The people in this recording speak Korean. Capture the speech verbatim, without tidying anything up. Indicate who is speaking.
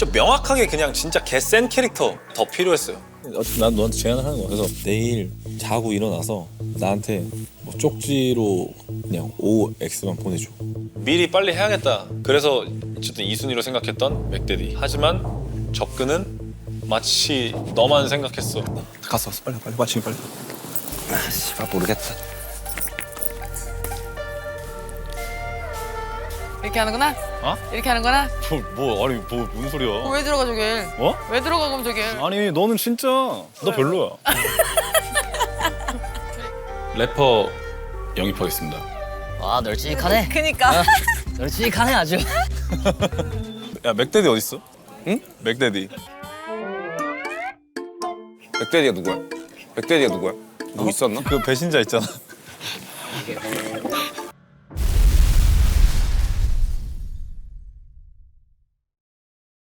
Speaker 1: 좀 명확하게 그냥 진짜 개센 캐릭터 더 필요했어요.
Speaker 2: 어차피 난 너한테 제안을 하는 거야. 그래서 내일 자고 일어나서 나한테 뭐 쪽지로 그냥 오엑스만 보내줘.
Speaker 1: 미리 빨리 해야겠다. 그래서 어쨌든 이 순위로 생각했던 맥데디. 하지만 접근은 마치 너만 생각했어.
Speaker 3: 갔어 갔어 빨리 빨리 마치기 빨리.
Speaker 4: 아 씨발 모르겠다.
Speaker 5: 이렇게 하는구나?
Speaker 1: 어?
Speaker 5: 이렇게 하는구나?
Speaker 1: 뭐, 뭐 아니 뭐 무슨 소리야?
Speaker 5: 어, 왜 들어가 저길?
Speaker 1: 어?
Speaker 5: 왜 들어가 그럼 저길?
Speaker 1: 아니 너는 진짜 너 별로야. 래퍼 영입하겠습니다.
Speaker 6: 와 널찍하네.
Speaker 5: 그니까.
Speaker 6: 널찍하네 아주.
Speaker 1: 야 맥데디 어디 있어? 응? 맥데디.
Speaker 4: 맥데디가 누구야? 맥데디가 누구야? 누구 있었나?
Speaker 1: 그 배신자 있잖아.